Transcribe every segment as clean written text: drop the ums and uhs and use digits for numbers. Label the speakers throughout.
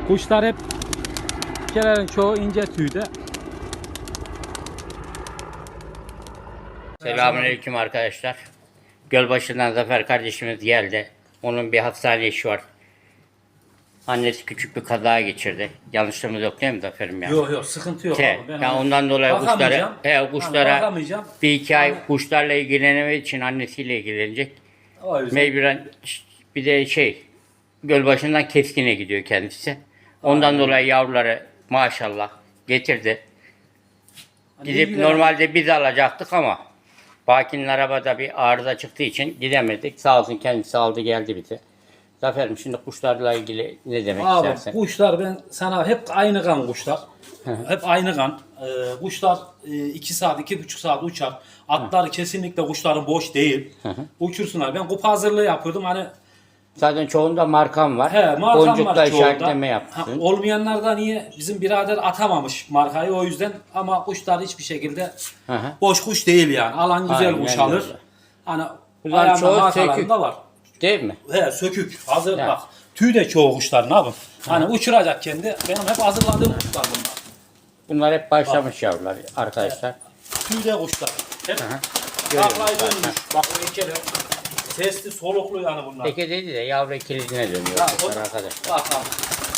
Speaker 1: Kuşlar hep kelerin çoğu ince tüyde.
Speaker 2: Selamünaleyküm arkadaşlar. Gölbaşı'ndan Zafer kardeşimiz geldi. Onun bir hastane işi var. Annesi küçük bir kaza geçirdi. Yanlışlığımız yok değil mi Zafer'im ya?
Speaker 1: Yok sıkıntı yok abi. Ben
Speaker 2: yani ondan dolayı kuşlara bir iki ay kuşlarla ilgilenemediği için annesiyle ilgilenecek. Mecburen bir de Gölbaşı'ndan Keskin'e gidiyor kendisi. Ondan dolayı yavruları maşallah getirdi. Gidip normalde biz alacaktık ama Baki'nin arabada bir arıza çıktığı için gidemedik. Sağ olsun kendisi aldı geldi bize. Zafer'im şimdi kuşlarla ilgili ne demek
Speaker 1: abi,
Speaker 2: istersen?
Speaker 1: Kuşlar ben sana hep aynı kan kuşlar. Hep aynı kan. Kuşlar 2 saat, 2,5 saat uçar. Atlar kesinlikle kuşların boş değil. Uçursunlar. Ben kupa hazırlığı yapıyordum. Hani
Speaker 2: Zaten çoğunda markam var.
Speaker 1: markam
Speaker 2: Boncukla
Speaker 1: var
Speaker 2: işaretleme yaptın.
Speaker 1: Olmayanlarda niye bizim birader atamamış markayı o yüzden ama kuşlar hiçbir şekilde boş kuş değil yani. Alan güzel
Speaker 2: Aynen
Speaker 1: kuş alır.
Speaker 2: öyle.
Speaker 1: Hani
Speaker 2: Bunların
Speaker 1: ayağında
Speaker 2: çoğu
Speaker 1: markalarında var.
Speaker 2: Değil mi?
Speaker 1: Sökük. Hazır
Speaker 2: Ya.
Speaker 1: bak. Tüy de çoğu kuşların abi. Hani uçuracak kendi. Benim hep hazırladığım kuşlar bunlar.
Speaker 2: Bunlar hep başlamış yavrular arkadaşlar.
Speaker 1: Tüy de kuşlar. Hep taklayı dönmüş. Bak bu ikili. Sesli soluklu yani bunlar.
Speaker 2: Teke dedi de yavru kilidine dönüyor kuşlar arkadaşlar.
Speaker 1: Bak abi.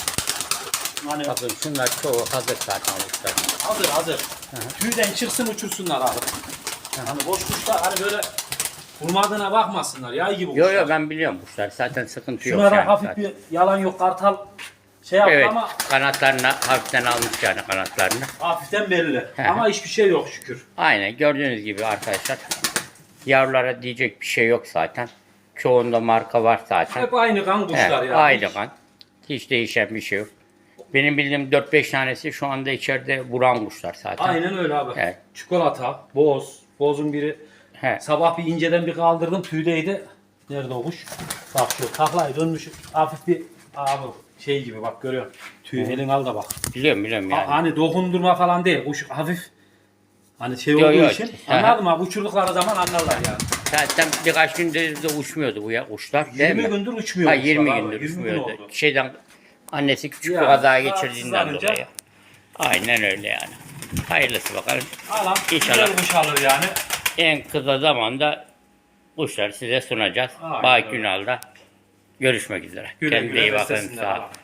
Speaker 1: Hani
Speaker 2: Bakın şunlar çoğu hazır zaten kuşlar.
Speaker 1: hazır. Tüyden çıksın uçursunlar abi. Hani boş kuşlar hani böyle vurmadığına bakmasınlar. Yay gibi kuşlar.
Speaker 2: Yok ben biliyorum kuşlar. Zaten sıkıntı yok.
Speaker 1: Şunlara
Speaker 2: yani
Speaker 1: hafif
Speaker 2: zaten.
Speaker 1: bir yalan yok. Kartal yaptı
Speaker 2: Evet,
Speaker 1: ama
Speaker 2: kanatlarını hafiften almış yani kanatlarını.
Speaker 1: hafiften belli. Ama hiçbir şey yok şükür.
Speaker 2: Aynen gördüğünüz gibi arkadaşlar. Yavrulara diyecek bir şey yok zaten. Çoğunda marka var zaten.
Speaker 1: Hep aynı kan kuşlar yani.
Speaker 2: Aynı kan. Hiç değişen bir şey yok. Benim bildiğim 4-5 tanesi şu anda içeride vuran kuşlar zaten.
Speaker 1: Aynen öyle abi.
Speaker 2: Evet.
Speaker 1: Çikolata, boz. Bozun biri sabah bir inceden bir kaldırdım tüydeydi. Nerede o kuş? Bak şu taklayı dönmüş. Hafif bir abi şey gibi bak görüyorsun. Tüy elin al da bak.
Speaker 2: Biliyorum yani.
Speaker 1: Hani dokundurma falan değil. Kuş hafif hani
Speaker 2: Yok,
Speaker 1: olduğu
Speaker 2: yok.
Speaker 1: için anladın mı? Uçurdukları zaman anlarlar yani.
Speaker 2: Zaten birkaç gündür de uçmuyordu bu kuşlar.
Speaker 1: 20 gündür uçmuyor.
Speaker 2: 20
Speaker 1: kuşlar
Speaker 2: gündür
Speaker 1: abi. 20 gün
Speaker 2: uçmuyordu.
Speaker 1: oldu.
Speaker 2: Annesi küçük
Speaker 1: Ya,
Speaker 2: bir kaza geçirdiğinden
Speaker 1: rahatsızlanınca-
Speaker 2: dolayı. Aynen öyle yani. Hayırlısı bakalım.
Speaker 1: Alan
Speaker 2: İnşallah.
Speaker 1: güzel kuş alır yani.
Speaker 2: En kısa zamanda kuşları size sunacağız.
Speaker 1: Aynen
Speaker 2: Baki
Speaker 1: öyle.
Speaker 2: Ünal'da görüşmek üzere.
Speaker 1: Güle
Speaker 2: Kendinize
Speaker 1: güle
Speaker 2: iyi bakın.
Speaker 1: beslesinler
Speaker 2: Sağ olun.
Speaker 1: abi.